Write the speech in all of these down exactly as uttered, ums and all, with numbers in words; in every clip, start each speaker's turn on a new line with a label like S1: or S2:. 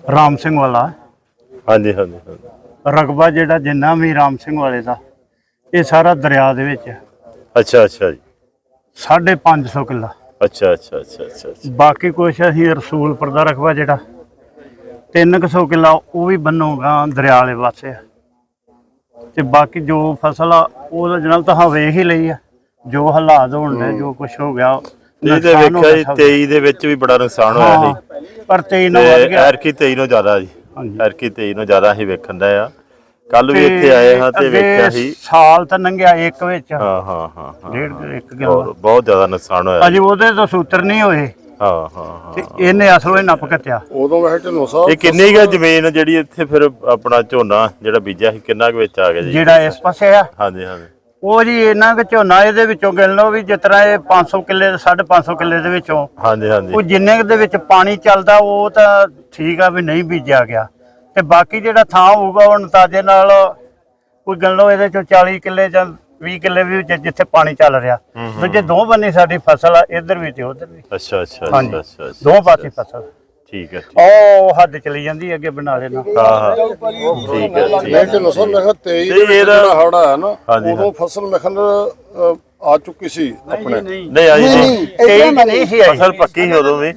S1: राम सिंह वाला
S2: हाँ जी हाँ जी हाँ जी।
S1: रकबा जेड़ा जिन्ना भी राम सिंह वाले का ये सारा दरिया दे विच है।
S2: अच्छा अच्छा जी।
S1: साढ़े पाँच सौ किला।
S2: अच्छा अच्छा अच्छा अच्छा अच्छा।
S1: बाकी कुछ असीं रसूलपुर का रकबा जेड़ा तीन कु सौ किला वो भी बनोगा दरिया वाले पासे है। ते बाकी जो फसल आ वो जनाब तुहां वेख ही लई है जो हालात होण डे जो कुछ हो गया
S2: ਇਹਦੇ ਵੇਖਿਆ ਜੀ तेईस ਦੇ ਵਿੱਚ ਵੀ ਬੜਾ ਨੁਕਸਾਨ ਹੋਇਆ ਸੀ
S1: पर तेईस ना वध गया
S2: ਐਰਕੀ तेईस ਨੂੰ ਜ਼ਿਆਦਾ ਜੀ ਐਰਕੀ तेईस ਨੂੰ ਜ਼ਿਆਦਾ ਹੀ ਵੇਖਣ ਦਾ ਆ ਕੱਲ ਵੀ ਇੱਥੇ ਆਏ ਹਾਂ ਤੇ ਵੇਖਿਆ ਸੀ
S1: ਸਾਲ ਤਾਂ ਲੰਘਿਆ ਇੱਕ ਵਿੱਚ
S2: ਹਾਂ ਹਾਂ ਹਾਂ ਹਾਂ
S1: ਡੇਢ ਇੱਕ ਕਿਲੋ
S2: ਬਹੁਤ ਜ਼ਿਆਦਾ ਨੁਕਸਾਨ ਹੋਇਆ
S1: ਅਜੇ ਉਹਦੇ ਤਾਂ ਸੂਤਰ ਨਹੀਂ ਹੋਏ
S2: ਹਾਂ ਹਾਂ ਹਾਂ
S1: ਤੇ ਇਹਨੇ ਅਸਲੋਂ ਹੀ ਨੱਪ ਘੱਟਿਆ
S3: ਉਦੋਂ ਵੈਸੇ ਢਿੱਲੋਂ ਸਾਹਿਬ
S2: ਇਹ ਕਿੰਨੀ ਕੁ ਜ਼ਮੀਨ ਜਿਹੜੀ ਇੱਥੇ ਫਿਰ ਆਪਣਾ ਝੋਨਾ ਜਿਹੜਾ ਬੀਜਿਆ ਸੀ ਕਿੰਨਾ ਕੁ ਵਿੱਚ ਆ ਗਿਆ ਜੀ
S1: ਜਿਹੜਾ ਇਸ ਪਾਸੇ ਆ
S2: ਹਾਂਜੀ ਹਾਂਜੀ
S1: ਉਹ ਜੀ ਇਹਨਾਂ ਕੁ ਝੋਨਾ ਇਹਦੇ ਵਿੱਚੋਂ ਗਿਣ ਲਓ ਵੀ ਜਿਸ ਤਰ੍ਹਾਂ ਇਹ ਪੰਜ ਸੌ ਕਿੱਲੇ ਸਾਢੇ ਪੰਜ ਸੌ ਕਿੱਲੇ ਦੇ ਵਿੱਚੋਂ
S2: ਹਾਂਜੀ ਹਾਂਜੀ
S1: ਉਹ ਜਿੰਨੇ ਕੁ ਦੇ ਵਿੱਚ ਪਾਣੀ ਚੱਲਦਾ ਉਹ ਤਾਂ ਠੀਕ ਆ ਵੀ ਨਹੀਂ ਬੀਜਿਆ ਗਿਆ ਤੇ ਬਾਕੀ ਜਿਹੜਾ ਥਾਂ ਹੋਊਗਾ ਉਹ ਅੰਦਾਜ਼ੇ ਨਾਲ ਕੋਈ ਗਿਣ ਲਓ ਇਹਦੇ ਚੋਂ ਚਾਲੀ ਕਿੱਲੇ ਜਾਂ ਵੀਹ ਕਿੱਲੇ ਵੀ ਜਿੱਥੇ ਪਾਣੀ ਚੱਲ ਰਿਹਾ ਦੂਜੇ ਦੋ ਬੰਨੇ ਸਾਡੀ ਫਸਲ ਆ ਇੱਧਰ ਵੀ ਤੇ ਉੱਧਰ ਵੀ
S2: ਅੱਛਾ ਅੱਛਾ
S1: ਹਾਂਜੀ
S2: ਅੱਛਾ
S1: ਦੋ ਪਾਸੇ ਫਸਲ
S2: ਠੀਕ ਹੈ
S1: ਉਹ ਹੱਦ ਚਲੀ ਜਾਂਦੀ ਅੱਗੇ ਬਣਾ ਲੈਣਾ
S2: ਹਾਂ ਹਾਂ ਠੀਕ ਹੈ ਠੀਕ
S3: ਮੈਂ ਢਿੱਲੋਂ ਸਾਹਿਬ ਮੈਂ ਕਿਹਾ ਤੇਈ
S2: ਤੇ ਇਹਦਾ
S3: ਜਿਹੜਾ ਹੜਾ ਹੈ ਨਾ
S2: ਹਾਂਜੀ,
S3: ਉਦੋਂ ਫਸਲ ਮੈਂ ਕਿਹਾ ਆ ਚੁੱਕੀ ਸੀ ਆਪਣੇ
S2: ਨਹੀਂ ਆਈ ਨਹੀਂ
S1: ਇਹ ਨਹੀਂ ਸੀ ਆਈ
S2: ਫਸਲ ਪੱਕੀ ਸੀ ਉਦੋਂ ਵੀ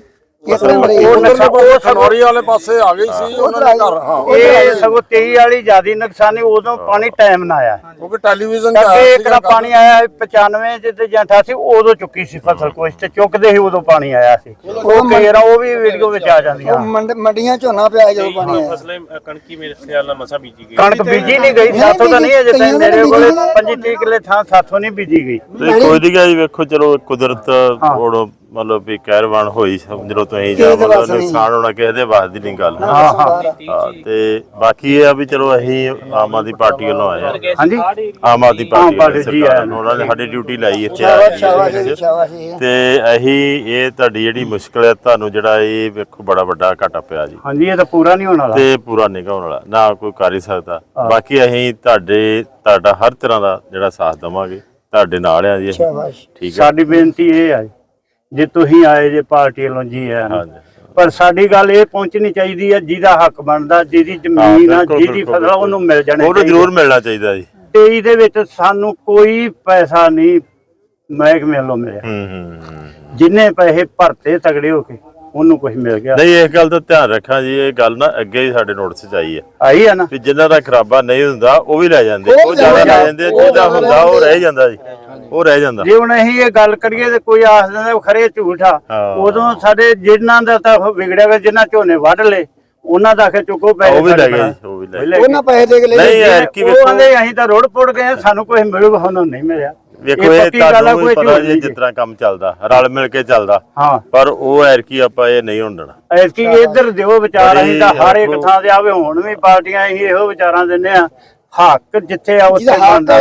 S3: ਉਹ ਸਨੌਰੀ ਵਾਲੇ ਪਾਸੇ ਆ ਗਈ ਸੀ ਉਹਨਾਂ ਦੇ ਘਰ ਹਾਂ
S1: ਇਹ ਸਗੋਂ ਤੇਈ ਵਾਲੀ ਜਿਆਦੀ ਨੁਕਸਾਨੀ ਉਦੋਂ ਪਾਣੀ ਟਾਈਮ ਨਾਲ ਆਇਆ
S3: ਕਿਉਂਕਿ ਟੈਲੀਵਿਜ਼ਨ ਤੇ
S1: ਅੱਗੇ
S3: ਆਇਆ
S1: ਇੱਕ ਨਾ ਪਾਣੀ ਆਇਆ ਪਚਾਨਵੇਂ ਚ ਤੇ ਜਾਂ ਅਠਾਸੀ ਉਦੋਂ ਚੁੱਕੀ ਸੀ ਫਸਲ ਕੁਛ ਤੇ ਚੁੱਕਦੇ ਸੀ ਉਦੋਂ ਪਾਣੀ ਆਇਆ ਸੀ ਉਹ ਕੇਰਾ ਉਹ ਵੀ ਵੀਡੀਓ ਵਿੱਚ ਆ ਜਾਂਦੀਆਂ
S4: ਮੰਡੀਆਂ ਝੋਨਾ ਪਿਆ ਜਦੋਂ ਪਾਣੀ ਆਇਆ
S5: ਫਸਲੇ ਕਣਕੀ ਮੇਰੇ ਖਿਆਲ ਨਾਲ ਮਸਾ ਬੀਜੀ ਗਈ
S1: ਕਣਕ ਬੀਜੀ ਨਹੀਂ ਗਈ ਸਾਥੋਂ ਤਾਂ ਨਹੀਂ ਅਜੇ ਤੱਕ ਮੇਰੇ ਕੋਲੇ ਪੱਚੀ ਤੀਹ ਕਿੱਲੇ ਥਾਂ ਸਾਥੋਂ ਨਹੀਂ ਬੀਜੀ ਗਈ
S2: ਕੋਈ ਨਹੀਂ ਜੀ ਵੇਖੋ ਚਲੋ ਕੁਦਰਤ ਹੁਣ ਮਤਲਬ ਵੀ ਕਹਿਰਵਾਨ ਹੋਈ ਸਮਝ ਲਓ ਤੁਸੀਂ ਜਾਂ ਮਤਲਬ ਨੁਕਸਾਨ ਹੋਣਾ ਕਿਸੇ ਦੇ ਵਾਸ ਦੀ ਨਹੀਂ ਗੱਲ
S1: ਹਾਂ ਹਾਂ
S2: ਤੇ ਬਾਕੀ ਇਹ ਆ ਵੀ ਚਲੋ ਅਸੀਂ ਆਮ ਆਦਮੀ ਪਾਰਟੀ ਵੱਲੋਂ ਆਏ ਆ
S1: ਹਾਂਜੀ
S2: ਆਮ ਆਦਮੀ ਪਾਰਟੀ
S1: ਪਾਰਟੀ ਜੀ
S2: ਸਰਕਾਰ ਨੂੰ ਉਹਨਾਂ ਨੇ ਸਾਡੀ ਡਿਊਟੀ ਲਾਈ ਇੱਥੇ ਆ ਤੇ ਅਸੀਂ ਇਹ ਤੁਹਾਡੀ ਜਿਹੜੀ ਮੁਸ਼ਕਲ ਹੈ ਤੁਹਾਨੂੰ ਜਿਹੜਾ ਇਹ ਵੇਖੋ ਬੜਾ ਵੱਡਾ ਘਾਟਾ ਪਿਆ ਜੀ
S1: ਹਾਂਜੀ ਇਹ ਤਾਂ ਪੂਰਾ ਨਹੀਂ ਹੋਣ ਵਾਲਾ
S2: ਤੇ ਪੂਰਾ ਨਹੀਂ ਹੋਣ ਵਾਲਾ ਨਾ ਕੋਈ ਕਰ ਹੀ ਸਕਦਾ ਬਾਕੀ ਅਸੀਂ ਤੁਹਾਡੇ ਤੁਹਾਡਾ ਹਰ ਤਰ੍ਹਾਂ ਦਾ ਜਿਹੜਾ ਸਾਥ ਦੇਵਾਂਗੇ ਤੁਹਾਡੇ ਨਾਲ ਆ ਜੀ ਠੀਕ ਹੈ
S1: ਸਾਡੀ ਬੇਨਤੀ ਇਹ ਹੈ ਜੇ ਤੁਸੀਂ ਆਏ ਜੇ ਪਾਰਟੀ ਵੱਲੋਂ ਜੀ ਹੈ ਪਰ ਸਾਡੀ ਗੱਲ ਇਹ ਪਹੁੰਚਣੀ ਚਾਹੀਦੀ ਹੈ ਜਿਹਦਾ ਹੱਕ ਬਣਦਾ ਜਿਹਦੀ ਜ਼ਮੀਨ ਆ ਜਿਹਦੀ ਫਸਲ ਉਹਨੂੰ ਮਿਲ ਜਾਣੀ
S2: ਉਹਨੂੰ ਜ਼ਰੂਰ ਮਿਲਣਾ ਚਾਹੀਦਾ ਜੀ
S1: ਤੇਈ ਦੇ ਵਿੱਚ ਸਾਨੂੰ ਕੋਈ ਪੈਸਾ ਨਹੀਂ ਮਹਿਕਮੇ ਵੱਲੋਂ ਮਿਲਿਆ
S2: ਹੂੰ ਹੂੰ
S1: ਜਿੰਨੇ ਪੈਸੇ ਭਰਤੇ ਤਗੜੇ ਹੋ ਕੇ ਉਹਨੂੰ ਕੁਝ ਮਿਲ ਗਿਆ
S2: ਨਹੀਂ ਇਸ ਗੱਲ ਦਾ ਧਿਆਨ ਰੱਖਾਂ ਜੀ ਇਹ ਗੱਲ ਨਾ ਅੱਗੇ ਹੀ ਸਾਡੇ ਨੋਟਿਸ 'ਚ ਆਈ ਹੈ
S1: ਆਈ ਆ ਨਾ
S2: ਵੀ ਜਿਨ੍ਹਾਂ ਦਾ ਖਰਾਬਾ ਨਹੀਂ ਹੁੰਦਾ ਉਹ ਵੀ ਲੈ ਜਾਂਦੇ ਉਹ ਜ਼ਿਆਦਾ ਲੈ ਜਾਂਦੇ ਜਿਹਦਾ ਹੁੰਦਾ ਉਹ ਰਹਿ ਜਾਂਦਾ ਜੀ ਉਹ ਰਹਿ ਜਾਂਦਾ
S1: ਜੇ ਹੁਣ ਅਸੀਂ ਇਹ ਗੱਲ ਕਰੀਏ ਤੇ ਕੋਈ ਆਖ ਦਿੰਦਾ ਖਰੇ ਝੂਠ ਆ ਉਦੋਂ ਸਾਡੇ ਜਿਨ੍ਹਾਂ ਦਾ ਤਾਂ ਵਿਗੜਿਆ ਹੋਇਆ ਜਿਨ੍ਹਾਂ ਝੋਨੇ ਵੱਢ ਲਏ ਉਹਨਾਂ ਦਾ ਆਖੇ ਚੁੱਕੋ ਪੈਸੇ
S2: ਉਹ ਵੀ ਲੈ ਗਏ ਉਹ ਵੀ ਲੈ ਗਏ
S4: ਉਹਨਾਂ ਪੈਸੇ ਦੇ ਕੇ ਲੈ
S2: ਨਹੀਂ ਯਾਰ ਕੀ
S1: ਉਹ ਕਹਿੰਦੇ ਅਸੀਂ ਤਾਂ ਰੋੜ ਪੁੱਟ ਗਏ ਸਾਨੂੰ ਕੁਝ ਮਿਲੂਗਾ ਉਹਨਾਂ ਨਹੀਂ ਮਿਲਿਆ
S2: ਵੇਖੋ ਇਹ ਤੁਹਾਨੂੰ ਵੀ ਪਤਾ ਜੀ ਜਿਸ ਤਰ੍ਹਾਂ ਕੰਮ ਚੱਲਦਾ ਰਲ ਮਿਲ ਕੇ ਚੱਲਦਾ
S1: ਹਾਂ
S2: ਪਰ ਉਹ ਐਰ ਕੀ ਆਪਾਂ ਇਹ ਨਹੀਂ ਹੋਣ ਦੇਣਾ
S1: ਐਤਕੀ ਇੱਧਰ ਦਿਓ ਵਿਚਾਰ ਅਸੀਂ ਤਾਂ ਹਰ ਇੱਕ ਥਾਂ ਤੇ ਆਵੇ ਹੁਣ ਵੀ ਪਾਰਟੀਆਂ ਅਸੀਂ ਇਹੋ ਵਿਚਾਰਾਂ ਦਿੰਦੇ ਆ ਹੱਕ ਜਿੱਥੇ ਆ ਉੱਥੇ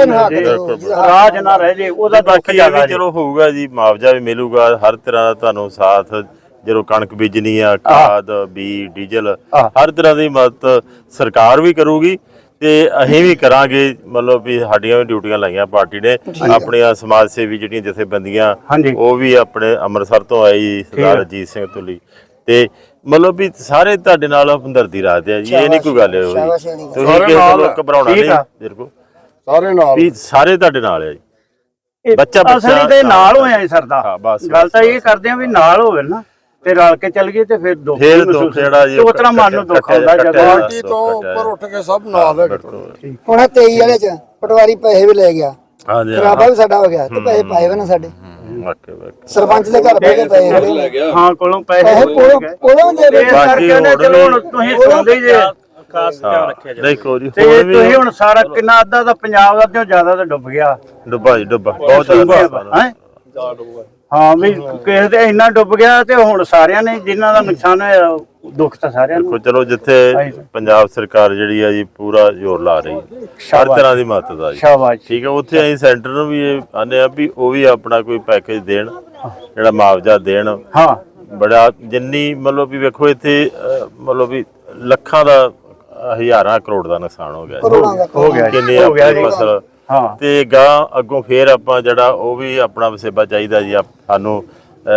S1: ਰਾਜ ਨਾ ਰਹਿ ਜੇ ਉਹਦਾ ਦੁੱਖ ਜ਼ਿਆਦਾ
S2: ਚਲੋ ਹੋਊਗਾ ਜੀ ਮੁਆਵਜ਼ਾ ਵੀ ਮਿਲੂਗਾ ਹਰ ਤਰ੍ਹਾਂ ਦਾ ਤੁਹਾਨੂੰ ਸਾਥ ਜਦੋਂ ਕਣਕ ਬੀਜਣੀ ਆ ਖਾਦ ਬੀ ਡੀਜ਼ਲ ਹਰ ਤਰ੍ਹਾਂ ਦੀ ਮਦਦ ਸਰਕਾਰ ਵੀ ਕਰੂਗੀ ਤੇ ਅਸੀਂ ਵੀ ਕਰਾਂਗੇ ਮਤਲਬ ਵੀ ਸਾਡੀਆਂ ਵੀ ਡਿਊਟੀਆਂ ਲਾਈਆਂ ਪਾਰਟੀ ਨੇ ਆਪਣੀਆਂ ਸਮਾਜ ਸੇਵੀ ਜਿਹੜੀਆਂ ਜਥੇਬੰਦੀਆਂ ਉਹ ਵੀ ਆਪਣੇ ਅੰਮ੍ਰਿਤਸਰ ਤੋਂ ਆਈ ਸਰਦਾਰ ਅਜੀਤ ਸਿੰਘ ਤੁਲੀ ਤੇ ਮਤਲਬ ਵੀ ਸਾਰੇ ਤੁਹਾਡੇ ਨਾਲ ਹਮਦਰਦੀ ਰੱਖਦੇ ਆ ਜੀ ਇਹ ਨਹੀਂ ਕੋਈ ਗੱਲ ਹੋਈ ਤੁਸੀਂ ਕਿਸੇ ਨੂੰ ਘਬਰਾਉਣਾ ਨਹੀਂ ਮੇਰੇ ਕੋ
S3: ਸਾਰੇ ਨਾਲ
S2: ਵੀ ਸਾਰੇ ਤੁਹਾਡੇ ਨਾਲ ਆ ਜੀ ਬੱਚਾ
S1: ਅਸਲੀ ਦੇ ਨਾਲ ਹੋਇਆ ਸਰਦਾ ਗੱਲ ਤਾਂ ਇਹ ਕਰਦੇ ਆ ਵੀ ਨਾਲ ਹੋਵੇ ਨਾ ਤੇ ਰਲ ਕੇ ਚੱਲ ਗਏ ਤੇ ਫਿਰ ਦੁੱਖ
S2: ਫਿਰ ਦੁੱਖ ਜਿਹੜਾ ਜੀ
S1: ਉਹ ਤਰ੍ਹਾਂ ਮਨ ਨੂੰ ਦੁੱਖ ਆਉਂਦਾ ਜਦੋਂ
S3: ਪਾਰਟੀ ਤੋਂ ਉੱਪਰ ਉੱਠ ਕੇ ਸਭ ਨਾਲ ਹੈ
S4: ਹੁਣ ਤੇਈ ਵਾਲੇ ਚ ਪਟਵਾਰੀ ਪੈਸੇ ਵੀ ਲੈ ਗਿਆ
S2: ਹਾਂਜੀ
S4: ਖਰਾਬਾ ਵੀ ਸਾਡਾ ਹੋ ਗਿਆ ਤੇ ਪੈਸੇ ਪਾਏ ਵੇ ਨਾ ਸਾਡੇ
S2: ਵਾਕੇ ਵਾਕੇ
S4: ਸਰਪੰਚ ਦੇ ਘਰ ਬੈ ਕੇ ਪੈਸੇ
S1: ਹਾਂ ਕੋਲੋਂ ਪੈਸੇ
S4: ਕੋਲੋਂ ਕੋਲੋਂ ਦੇ
S1: ਇਸ ਕਰਕੇ ਉਹਨੇ ਚਲੋ ਹੁਣ ਤੁਸੀਂ ਸੁਣਦੇ ਹੀ ਜੇ
S5: ਖਾਸ ਧਿਆਨ ਰੱਖਿਆ ਜਾਵੇ
S2: ਨਹੀਂ ਕੋਈ
S1: ਤੇ ਤੁਸੀਂ ਹੁਣ ਸਾਰਾ ਕਿੰਨਾ ਅੱਧਾ ਦਾ ਪੰਜਾਬ ਦਾ ਤੇ ਜ਼ਿਆਦਾ ਤਾਂ ਡੁੱਬ ਗਿਆ
S2: ਡੁੱਬਾ ਜੀ ਡੁੱਬਾ ਬਹੁਤ ਜ਼ਿਆਦਾ
S1: ਹੈ ਹਾਂ ਵੀ ਕਿਸੇ ਦੇ ਇੰਨਾ ਡੁੱਬ ਗਿਆ ਤੇ ਹੁਣ ਸਾਰਿਆਂ ਨੇ ਜਿਨ੍ਹਾਂ ਦਾ ਨੁਕਸਾਨ ਹੋਇਆ ਦੁੱਖ ਤਾਂ ਸਾਰਿਆਂ ਨੂੰ
S2: ਚਲੋ ਜਿੱਥੇ ਪੰਜਾਬ ਸਰਕਾਰ ਜਿਹੜੀ ਆ ਜੀ ਪੂਰਾ ਜ਼ੋਰ ਲਾ ਰਹੀ ਹਰ ਤਰ੍ਹਾਂ ਦੀ ਮਦਦ ਆ ਜੀ
S1: ਸ਼ਾਬਾਸ਼
S2: ਠੀਕ ਹੈ ਉੱਥੇ ਅਸੀਂ ਸੈਂਟਰ ਨੂੰ ਵੀ ਇਹ ਆਨੇ ਆ ਵੀ ਉਹ ਵੀ ਆਪਣਾ ਕੋਈ ਪੈਕੇਜ ਦੇਣ ਜਿਹੜਾ ਮੁਆਵਜ਼ਾ ਦੇਣ
S1: ਹਾਂ
S2: ਬੜਾ ਜਿੰਨੀ ਮਤਲਬ ਵੀ ਵੇਖੋ ਇੱਥੇ ਮਤਲਬ ਵੀ ਲੱਖਾਂ ਦਾ ਹਜ਼ਾਰਾਂ ਕਰੋੜ ਦਾ ਨੁਕਸਾਨ ਹੋ ਗਿਆ
S1: ਹੋ ਗਿਆ
S2: ਕਿੰਨੀ ਫਸਲ
S1: ਹਾਂ
S2: ਤੇ ਗਾਂ ਅੱਗੋਂ ਫੇਰ ਆਪਾਂ ਜਿਹੜਾ ਉਹ ਵੀ ਆਪਣਾ ਵਸੇਬਾ ਚਾਹੀਦਾ ਜੀ ਸਾਨੂੰ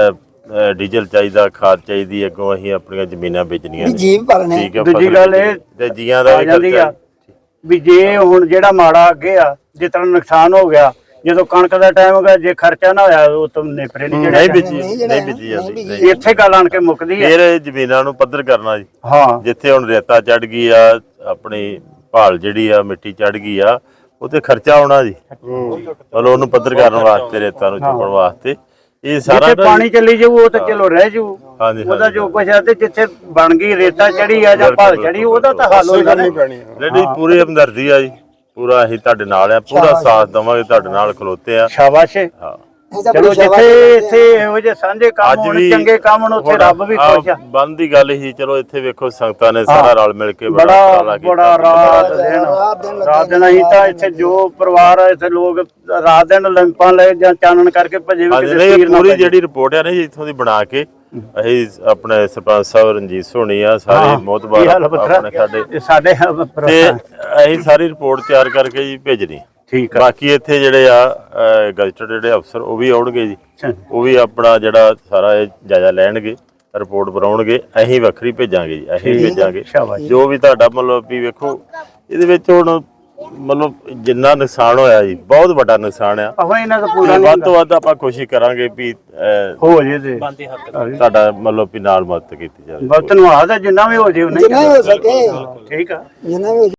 S2: ਅਹ, ਡੀਜ਼ਲ ਚਾਹੀਦਾ, ਖਾਦ ਚਾਹੀਦੀ, ਅੱਗੋਂ ਅਸੀਂ ਆਪਣੀਆਂ ਜ਼ਮੀਨਾਂ ਵੇਚਣੀਆਂ
S4: ਵੀ
S2: ਨੇ।
S4: ਜੀਵ ਪਾਲਣੇ
S2: ਠੀਕ ਹੈ,
S1: ਦੂਜੀ
S2: ਫਸਲ
S1: ਗੱਲ ਇਹ
S2: ਬੀਜਣੀ ਤੇ ਜੀਆਂ ਦਾ
S1: ਆ
S2: ਵੀ
S1: ਜਾਂਦੀ ਆ
S2: ਖਰਚਾ।
S1: ਵੀ ਜੇ ਹੁਣ ਜਿਹੜਾ ਮਾੜਾ ਅੱਗੇ ਆ ਜਿਸ ਤਰ੍ਹਾਂ ਨੁਕਸਾਨ ਹੋ ਗਿਆ, ਜਦੋਂ ਕਣਕ ਦਾ ਟਾਈਮ ਹੋ ਗਿਆ, ਜੇ ਖਰਚਾ ਨਾ ਹੋਇਆ ਉਹ ਤਾਂ ਨੇਪਰੇ ਨਹੀਂ
S2: ਨਹੀਂ
S1: ਜਿਹੜੇ
S2: ਬੀਜੀ
S4: ਨਹੀਂ ਜਿਹੜਾ
S2: ਨਹੀਂ ਬੀਜੀ ਜਾਂਦੀ
S4: ਨਹੀਂ
S2: ਨਹੀਂ।
S1: ਇੱਥੇ ਗੱਲ ਆਣ ਕੇ ਮੁੱਕਦੀ ਹੈ।
S2: ਫਿਰ ਇਹ ਜ਼ਮੀਨਾਂ ਨੂੰ ਪੱਧਰ ਕਰਨਾ ਜੀ।
S1: ਹਾਂ
S2: ਜਿੱਥੇ ਹੁਣ ਰੇਤਾ ਚੜ ਗਈ ਆ, ਆਪਣੀ ਭਾਲ ਜਿਹੜੀ ਆ ਮਿੱਟੀ ਚੜ ਗਈ ਆ, ਉਹ ਤੇ ਖਰਚਾ ਆਉਣਾ ਜੀ। ਮਤਲਬ ਉਹਨੂੰ ਪੱਧਰ ਕਰਨ ਵਾਸਤੇ, ਰੇਤਾ ਨੂੰ ਚੁੱਕਣ ਵਾਸਤੇ ਇਹ ਸਾਰਾ
S1: ਜਿੱਥੇ ਪਾਣੀ ਚੱਲੀ ਜਾਊ ਉਹ ਤਾਂ ਚਲੋ ਰਹਿ ਜਾਊ।
S2: ਹਾਂਜੀ
S1: ਉਹਦਾ ਜੋ ਕੁਛ ਹੈ ਤੇ ਜਿੱਥੇ ਬਣ ਗਈ ਰੇਤਾ ਚੜੀ ਆ ਜਾਂ ਭਾਲ ਚੜੀ ਉਹਦਾ ਤਾਂ ਹੱਲ ਹੋ ਜਾਣਾ।
S2: ਜਿਹੜੀ ਪੂਰੀ ਹਮਦਰਦੀ ਆ ਜੀ, ਪੂਰਾ ਅਸੀਂ ਤੁਹਾਡੇ ਨਾਲ ਆ, ਪੂਰਾ ਸਾਥ ਦੇਵਾਂਗੇ, ਤੁਹਾਡੇ ਨਾਲ ਖਲੋਤੇ ਆ।
S1: ਸ਼ਾਬਾਸ਼ ਏ।
S2: ਹਾਂ
S1: ਚਲੋ ਜਿੱਥੇ ਇੱਥੇ ਇਹੋ ਜਿਹੇ ਸਾਂਝੇ ਕੰਮ
S2: ਅੱਜ
S1: ਹੋਣ,
S2: ਵੀ
S1: ਚੰਗੇ ਕੰਮ ਹੋਣ, ਉੱਥੇ ਰੱਬ ਵੀ ਖੁਸ਼ ਆ।
S2: ਬੰਦ ਦੀ ਗੱਲ ਹੀ, ਚਲੋ ਇੱਥੇ ਵੇਖੋ ਸੰਗਤਾਂ ਨੇ ਸਾਰਾ ਰਲ ਮਿਲ ਕੇ
S1: ਬੜਾ
S2: ਉਪਰਾਲਾ ਕੀਤਾ।
S1: ਬੜਾ ਰਾਤ ਦਿਨ
S4: ਰਾਤ ਦਿਨ
S1: ਰਾਤ ਦਿਨ ਅਸੀਂ ਤਾਂ ਇੱਥੇ ਜੋ ਪਰਿਵਾਰ ਆ ਇੱਥੇ ਲੋਕ ਰਾਤ ਦਿਨ ਲੰਪਾਂ ਲੈ ਜਾਂ ਚਾਨਣ ਕਰਕੇ ਭਜੇ ਵੀ
S2: ਹਾਂਜੀ
S1: ਕਿਤੇ
S2: ਨਹੀਂ,
S1: ਤੀਰ ਨਾ
S2: ਪੂਰੀ
S1: ਪਏ।
S2: ਜਿਹੜੀ ਰਿਪੋਰਟ ਆ ਨਾ ਜੀ ਇੱਥੋਂ ਦੀ ਬਣਾ ਕੇ ਅਸੀਂ ਆਪਣੇ ਸਰਪੰਚ ਸਾਹਿਬ ਰਣਜੀਤ ਸੋਹਣੀ ਆ, ਸਾਰੇ
S1: ਕੀ
S2: ਮੋਤਬਾਰ
S1: ਹਾਲ ਆ ਪੁੱਤਰਾ?
S2: ਆਪਣੇ ਸਾਡੇ,
S1: ਇਹ ਸਾਡੇ
S2: ਤੇ ਅਸੀਂ ਸਾਰੀ ਰਿਪੋਰਟ ਤਿਆਰ ਕਰਕੇ ਜੀ ਭੇਜਣੀ।
S1: ਠੀਕ ਆ।
S2: ਬਾਕੀ ਇੱਥੇ ਜਿਹੜੇ ਆ ਗਜ਼ਟਡ ਜਿਹੜੇ ਅਫਸਰ ਉਹ ਵੀ ਆਉਣਗੇ ਜੀ, ਉਹ ਵੀ ਆਪਣਾ ਜਿਹੜਾ ਸਾਰਾ ਇਹ ਜਾਇਜ਼ਾ ਲੈਣਗੇ, ਰਿਪੋਰਟ ਬਣਾਉਣਗੇ, ਅਸੀਂ ਵੱਖਰੀ ਭੇਜਾਂਗੇ ਜੀ, ਅਸੀਂ ਭੇਜਾਂਗੇ
S1: ਸ਼ਾਬਾਸ਼।
S2: ਜੋ ਵੀ ਤੁਹਾਡਾ ਮਤਲਬ ਵੀ ਵੇਖੋ ਇਹਦੇ ਵਿੱਚ ਹੁਣ ਮਤਲਬ ਜਿੰਨਾ ਨੁਕਸਾਨ ਹੋਇਆ ਜੀ, ਬਹੁਤ ਵੱਡਾ ਨੁਕਸਾਨ ਆ।
S1: ਆਹੋ ਇਹਨਾਂ ਦਾ ਪੂਰਾ
S2: ਤੇ
S1: ਨਹੀਂ
S2: ਵੱਧ ਤੋਂ ਵੱਧ ਆਪਾਂ ਕੋਸ਼ਿਸ਼ ਕਰਾਂਗੇ ਵੀ ਅਹ,
S1: ਹੋ ਜੇ ਤੇ
S5: ਬੰਦੇ ਹੱਕ
S2: ਤੁਹਾਡਾ ਮਤਲਬ ਵੀ ਨਾਲ ਮਦਦ ਕੀਤੀ ਜਾਵੇ।
S1: ਬਸ ਧੰਨਵਾਦ ਆ ਜਿੰਨਾ ਵੀ ਹੋ ਜੇ ਉਹਨੇ
S4: ਜਿੰਨਾ ਹੋ ਸਕੇ
S1: ਠੀਕ ਆ।
S4: ਜਿੰਨਾ ਵੀ